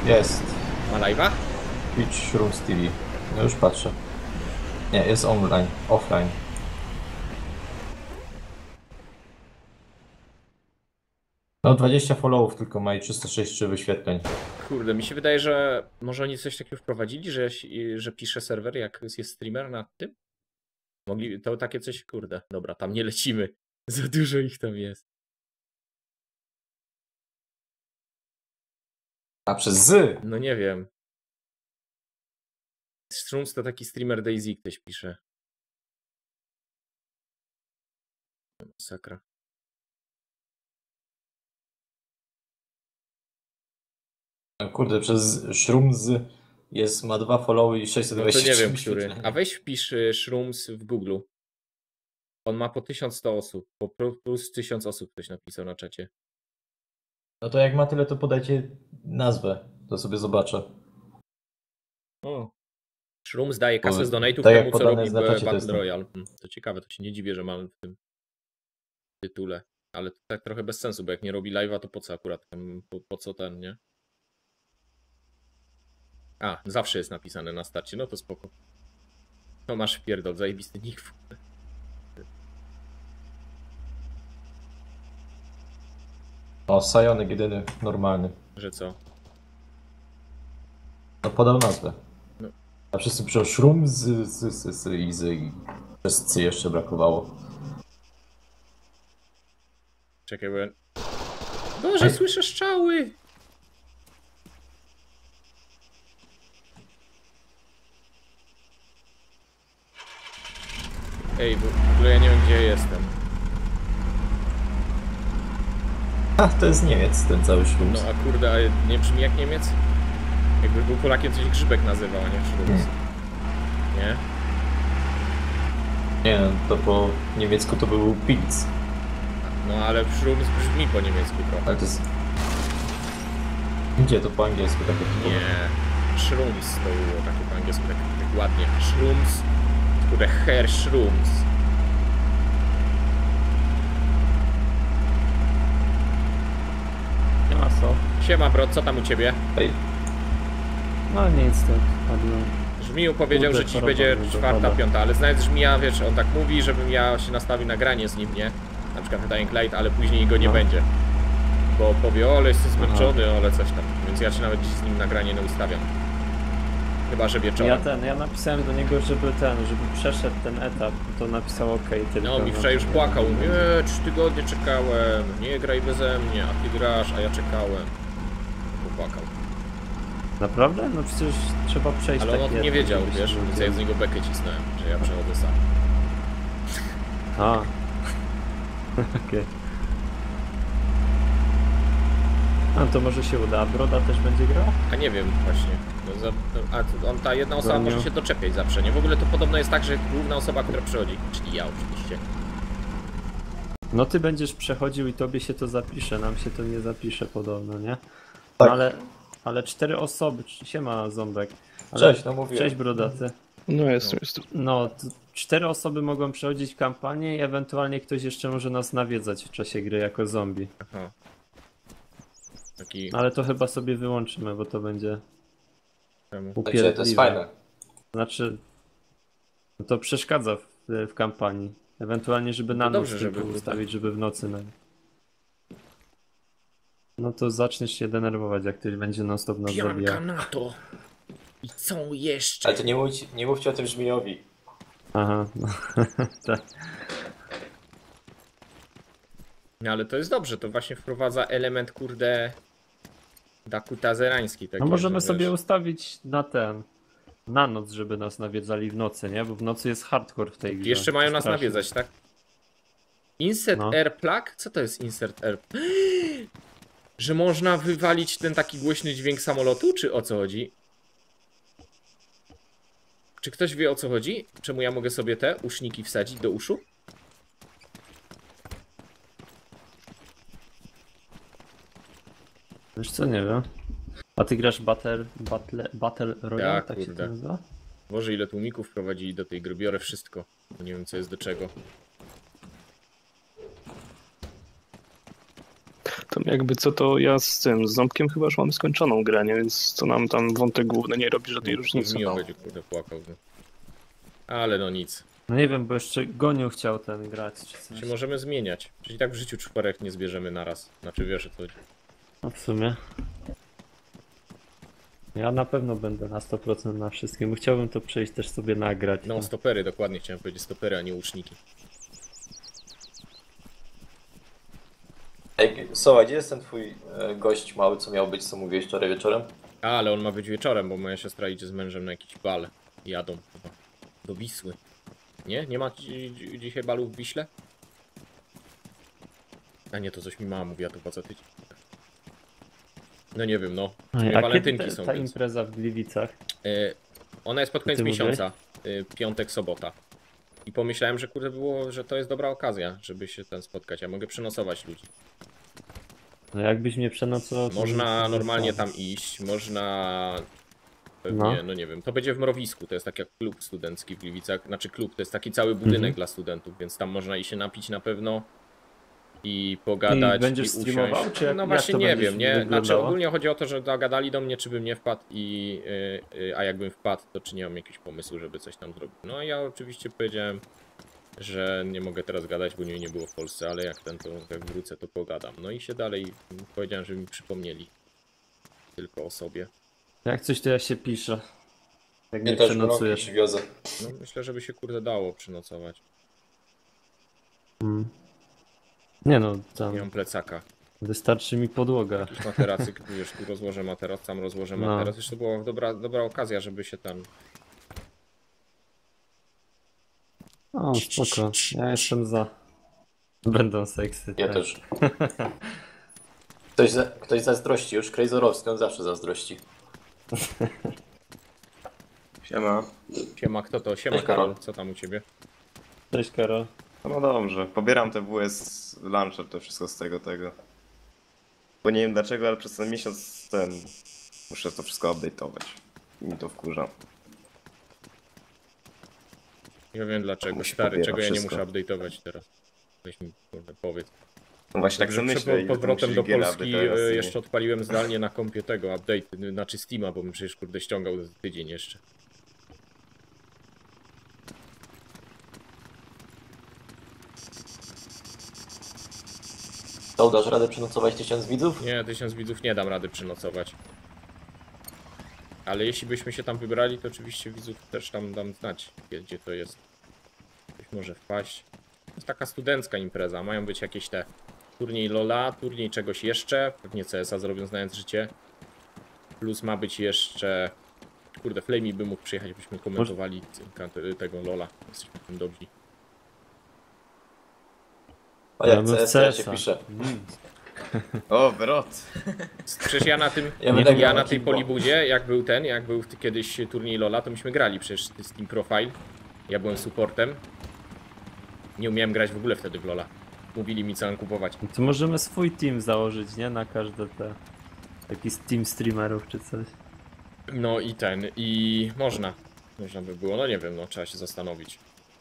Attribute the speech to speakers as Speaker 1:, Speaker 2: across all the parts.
Speaker 1: Jest.
Speaker 2: Ma live'a?
Speaker 1: Twitch Rooms TV. No już patrzę. Nie, jest online, offline. No 20 followów tylko ma i 363 wyświetleń.
Speaker 2: Kurde, mi się wydaje, że może oni coś takiego wprowadzili, że pisze serwer, jak jest streamer na tym? Mogli, to takie coś, kurde, dobra, tam nie lecimy. Za dużo ich tam jest.
Speaker 1: A przez Z!
Speaker 2: No nie wiem. Strums to taki streamer Daisy ktoś pisze. Masakra.
Speaker 1: No kurde, przez Shrooms ma 2 followy i
Speaker 2: No to
Speaker 1: 623
Speaker 2: nie wiem, który.
Speaker 1: wyświetlenia.
Speaker 2: A weź wpisz Shrooms w Google. On ma po 1100 osób. Po plus 1000 osób ktoś napisał na czacie.
Speaker 1: No to jak ma tyle, to podajcie nazwę. To sobie zobaczę.
Speaker 2: O. Shrooms daje kasę z donate'ów
Speaker 1: tak jak
Speaker 2: temu, co
Speaker 1: podane
Speaker 2: robi
Speaker 1: jest na czacie, to
Speaker 2: Battle
Speaker 1: jest
Speaker 2: Royale. To ciekawe, to się nie dziwię, że mam w tym tytule. Ale to tak trochę bez sensu, bo jak nie robi live'a, to po co akurat? Po co ten, nie? A, zawsze jest napisane na starcie, no to spoko. No masz wpierdol, zajebisty nick.
Speaker 1: O, Sajonek jedyny, normalny.
Speaker 2: Że co?
Speaker 1: No podał nazwę.
Speaker 2: No.
Speaker 1: A wszyscy piszą Shrooms i przez C jeszcze brakowało.
Speaker 2: Czekaj, bo... Boże, słyszę strzały! Ej, w ogóle ja nie wiem, gdzie jestem.
Speaker 1: A, to jest Niemiec, ten cały Shrooms.
Speaker 2: No a kurde, a nie brzmi jak Niemiec? Jakby był Polakiem, coś Grzybek nazywał, a nie Shrooms. Nie?
Speaker 1: Nie, to po niemiecku to był Pilz.
Speaker 2: No ale Shrooms brzmi po niemiecku trochę.
Speaker 1: Ale to jest... Gdzie to po angielsku takie typowe?
Speaker 2: Nie. Shrooms to było takie po angielsku, tak ładnie. Shrooms, kurde, Herr Shrooms.
Speaker 3: Nie ma co.
Speaker 2: Siema bro, co tam u ciebie?
Speaker 1: Ej,
Speaker 3: No nic, tak padło.
Speaker 2: Żmiju powiedział,
Speaker 3: Kurde,
Speaker 2: że dziś
Speaker 3: choroba
Speaker 2: będzie
Speaker 3: mnie
Speaker 2: czwarta,
Speaker 3: dopada.
Speaker 2: piąta, ale znając Żmija, wiesz, on tak mówi, żebym ja się nastawił na granie z nim, nie? Na przykład w Dying Light, ale później go nie
Speaker 3: No.
Speaker 2: będzie. Bo powie, o, ale jestem zmęczony, ale coś tam. Więc ja się nawet dziś z nim na granie nie ustawiam. Chyba, że wieczorem.
Speaker 3: Ja napisałem do niego, żeby przeszedł ten etap, to napisał OK tylko.
Speaker 2: No, mi wczoraj już płakał. Nie, 3 tygodnie czekałem, nie graj beze mnie, a ty grasz, a ja czekałem. Popłakał.
Speaker 3: Naprawdę? No przecież trzeba przejść
Speaker 2: Ale on o
Speaker 3: taki
Speaker 2: tym nie
Speaker 3: etap,
Speaker 2: wiedział,
Speaker 3: żeby się
Speaker 2: wiesz, więc ja z niego bekę cisnąłem, że ja przechodzę sam.
Speaker 3: A. Okej. A to może się uda, a Broda też będzie grał?
Speaker 2: A nie wiem właśnie. No, ta jedna osoba
Speaker 3: Daniel.
Speaker 2: może się doczepiać zawsze, nie? W ogóle to podobno jest tak, że główna osoba, która przychodzi, czyli ja oczywiście.
Speaker 3: No ty będziesz przechodził i tobie się to zapisze, nam się to nie zapisze podobno, nie?
Speaker 1: Tak.
Speaker 3: No ale 4 osoby, siema Ząbek. Ale,
Speaker 1: Cześć, no mówiłem.
Speaker 3: Cześć Brodaty.
Speaker 4: No jestem.
Speaker 3: No, 4 osoby mogą przechodzić kampanię i ewentualnie ktoś jeszcze może nas nawiedzać w czasie gry jako zombie.
Speaker 2: Aha. Taki...
Speaker 3: Ale to chyba sobie wyłączymy, bo to będzie
Speaker 2: Temu.
Speaker 1: Wiecie,
Speaker 3: upierdliwe.
Speaker 1: to jest fajne.
Speaker 3: Znaczy, no to przeszkadza w kampanii. Ewentualnie, żeby na
Speaker 2: No
Speaker 3: noc
Speaker 2: dobrze,
Speaker 3: tylko
Speaker 2: żeby-
Speaker 3: ustawić, żeby w nocy. No to zaczniesz się denerwować, jak ktoś będzie non stop nas
Speaker 2: Pianka
Speaker 3: zabijał.
Speaker 2: na to! I co jeszcze?
Speaker 1: Ale to nie mówcie o tym Żmijowi.
Speaker 3: Aha, no. Tak.
Speaker 2: No ale to jest dobrze, to właśnie wprowadza element, kurde... dakutazerański.
Speaker 3: No
Speaker 2: taki,
Speaker 3: możemy
Speaker 2: że
Speaker 3: sobie
Speaker 2: wiesz,
Speaker 3: ustawić na noc, żeby nas nawiedzali w nocy, nie? Bo w nocy jest hardcore w tej grze.
Speaker 2: Jeszcze mają nas
Speaker 3: Strasznie.
Speaker 2: nawiedzać, tak? Insert
Speaker 3: No.
Speaker 2: Air Plug? Co to jest Insert Air? Że można wywalić ten taki głośny dźwięk samolotu? Czy o co chodzi? Czy ktoś wie o co chodzi? Czemu ja mogę sobie te uszniki wsadzić do uszu?
Speaker 3: Wiesz co, nie wiem. A ty grasz Battle Royale,
Speaker 2: Ja,
Speaker 3: tak się
Speaker 2: kurde.
Speaker 3: to nazywa?
Speaker 2: Boże, ile tłumików wprowadzili do tej gry. Biorę wszystko. Bo nie wiem co jest do czego.
Speaker 4: Ten jakby co, to ja z Ząbkiem chyba już mamy skończoną grę, nie? Więc to nam tam wątek główny nie robi żadnej różnicy.
Speaker 2: Miło będzie, kurde, płakał. No. Ale no nic.
Speaker 3: No nie wiem, bo jeszcze Goniu chciał ten grać czy coś.
Speaker 2: Czy możemy zmieniać? Czyli tak w życiu 4 nie zbierzemy naraz. Znaczy wiesz o co chodzi.
Speaker 3: No w sumie. Ja na pewno będę na 100% na wszystkim, bo chciałbym to przejść też sobie nagrać.
Speaker 2: No stopery, dokładnie chciałem powiedzieć stopery, a nie łuczniki.
Speaker 1: Ej, Soła, gdzie jest ten twój gość mały, co miał być, co mówiłeś wczoraj wieczorem?
Speaker 2: A, ale on ma być wieczorem, bo moja siostra idzie z mężem na jakiś bal. Jadą chyba. Do Wisły. Nie? Nie ma dzisiaj balu w Wiśle? A nie, to coś mi mama mówiła, to po co tydzień. No nie wiem, no.
Speaker 3: A kiedy
Speaker 2: walentynki są.
Speaker 3: ta
Speaker 2: Więc.
Speaker 3: impreza w Gliwicach?
Speaker 2: Ona jest pod koniec
Speaker 3: ty
Speaker 2: miesiąca. Piątek, sobota. I pomyślałem, że kurde było, że to jest dobra okazja, żeby się tam spotkać. Ja mogę przenocować ludzi.
Speaker 3: No jakbyś mnie przenocował... to
Speaker 2: Można
Speaker 3: bym-
Speaker 2: normalnie tam iść, można... Pewnie, no nie wiem, to będzie w Mrowisku, to jest tak jak klub studencki w Gliwicach. Znaczy klub, to jest taki cały budynek dla studentów, więc tam można i się napić na pewno. I pogadać,
Speaker 3: I będziesz
Speaker 2: usiąść.
Speaker 3: streamował, czy jak-
Speaker 2: No
Speaker 3: jak
Speaker 2: właśnie
Speaker 3: to
Speaker 2: nie
Speaker 3: będziesz
Speaker 2: wiem, nie? Znaczy
Speaker 3: wyglądało?
Speaker 2: ogólnie chodzi o to, że zagadali do mnie, czy bym nie wpadł a jakbym wpadł, to czy nie mam jakiegoś pomysłu, żeby coś tam zrobić. No ja oczywiście powiedziałem, że nie mogę teraz gadać, bo nie było w Polsce, ale jak ten, to jak wrócę, to pogadam. No i się dalej powiedziałem, żeby mi przypomnieli tylko o sobie.
Speaker 3: Jak coś to ja się piszę. Jak
Speaker 1: Nie
Speaker 3: mnie
Speaker 1: też go
Speaker 3: przenocujesz.
Speaker 1: przywiozę.
Speaker 2: No myślę, żeby się kurde dało przynocować.
Speaker 3: Nie no,
Speaker 2: Nie
Speaker 3: tam
Speaker 2: mam plecaka.
Speaker 3: wystarczy mi podłoga.
Speaker 2: Jakiś materacy, wiesz, tu rozłożę materac, tam rozłożę
Speaker 3: No.
Speaker 2: materac. Wiesz, to była dobra okazja, żeby się tam...
Speaker 3: O, spoko. Ja jestem za. Będą seksy.
Speaker 1: Ja
Speaker 3: tak.
Speaker 1: też. Ktoś zazdrości już, Krejzorowski, on zawsze zazdrości.
Speaker 5: Siema.
Speaker 2: Siema, kto to? Siema,
Speaker 1: Cześć, Karol.
Speaker 2: Karol. Co tam u ciebie?
Speaker 3: Cześć Karol.
Speaker 5: No dobrze, pobieram te WS Launcher, to wszystko z tego. Bo nie wiem dlaczego, ale przez ten miesiąc muszę to wszystko update'ować. I mi to wkurza.
Speaker 2: Nie wiem dlaczego,
Speaker 5: Musi
Speaker 2: stary,
Speaker 5: pobiera
Speaker 2: czego ja nie
Speaker 5: wszystko.
Speaker 2: muszę update'ować teraz. Weź mi, kurde, powiedz.
Speaker 5: No właśnie tak
Speaker 2: Także
Speaker 5: sobie myślę.
Speaker 2: przed
Speaker 5: ile
Speaker 2: powrotem
Speaker 5: to
Speaker 2: do
Speaker 5: musi giga
Speaker 2: Polski
Speaker 5: update'ować,
Speaker 2: jeszcze odpaliłem zdalnie na kompie tego update, znaczy Steama, bo bym przecież kurde ściągał za tydzień jeszcze.
Speaker 1: To dasz radę przenocować 1000 widzów?
Speaker 2: Nie, 1000 widzów nie dam rady przynocować. Ale jeśli byśmy się tam wybrali, to oczywiście widzów też tam dam znać, gdzie to jest. Ktoś może wpaść. To jest taka studencka impreza, mają być jakieś te turniej LoL'a, turniej czegoś jeszcze, pewnie CS-a zrobią znając życie. Plus ma być jeszcze... Kurde, Flamey by mógł przyjechać, byśmy komentowali tego LoL'a. Jesteśmy tym dobrzy.
Speaker 1: A jak
Speaker 3: Gramy w
Speaker 1: CS, to ja się
Speaker 3: CS-a.
Speaker 1: piszę.
Speaker 5: O, wrot!
Speaker 2: Przecież ja na tym,
Speaker 1: Ja będę grał
Speaker 2: ja
Speaker 1: na
Speaker 2: na tej
Speaker 1: Kimbo.
Speaker 2: polibudzie, jak był kiedyś turniej LoL'a, to myśmy grali przecież z Team Profile. Ja byłem supportem. Nie umiałem grać w ogóle wtedy w LoL'a. Mówili mi co mam kupować.
Speaker 3: To możemy swój team założyć, nie? Na każde te... Jakiś team streamerów czy coś.
Speaker 2: No i można. Można by było, no nie wiem, no trzeba się zastanowić.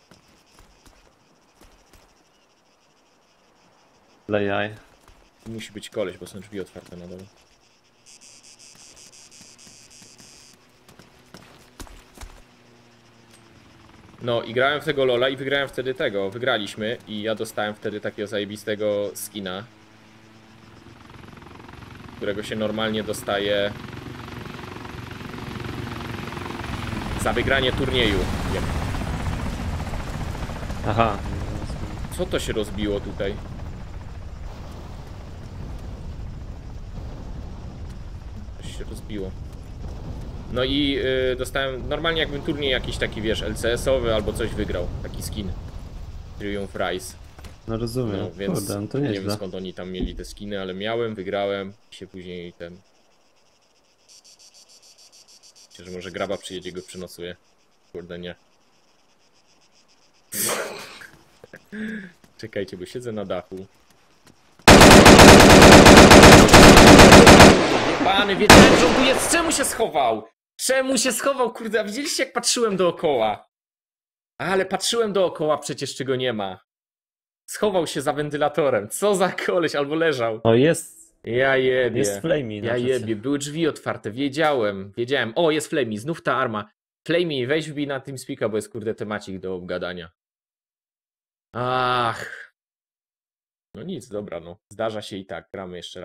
Speaker 3: Lejaj.
Speaker 2: Musi być koleś, bo są drzwi otwarte na dole. No i grałem w tego LoL'a i wygrałem wtedy tego. Wygraliśmy i ja dostałem wtedy takiego zajebistego skina, którego się normalnie dostaje za wygranie turnieju.
Speaker 3: Aha.
Speaker 2: Co to się rozbiło tutaj? Coś się rozbiło. No i dostałem normalnie jakbym turniej jakiś taki, wiesz, LCS-owy albo coś wygrał. Taki skin. Triumph Rise.
Speaker 3: No rozumiem.
Speaker 2: No więc
Speaker 3: Kurde, no to
Speaker 2: nie wiem
Speaker 3: nieźle.
Speaker 2: skąd oni tam mieli te skiny, ale miałem, wygrałem i się później ten... Myślę, że może Graba przyjedzie, go przynosuje. Kurde, nie. Czekajcie, bo siedzę na dachu. Pany, wiedziałem, że on tu jest. Czemu się schował? Czemu się schował, kurde? A widzieliście, jak patrzyłem dookoła? Ale patrzyłem dookoła, przecież czego nie ma. Schował się za wentylatorem. Co za koleś, albo leżał.
Speaker 3: O, jest
Speaker 2: Ja jebie.
Speaker 3: Jest Flamey na
Speaker 2: Ja
Speaker 3: czacie.
Speaker 2: jebie. Były drzwi otwarte. Wiedziałem. O, jest Flamey. Znów ta arma. Flamey, weź wbij na TeamSpeaka, bo jest kurde temacik do obgadania. Ach. No nic, dobra, no. Zdarza się i tak. Gramy jeszcze raz.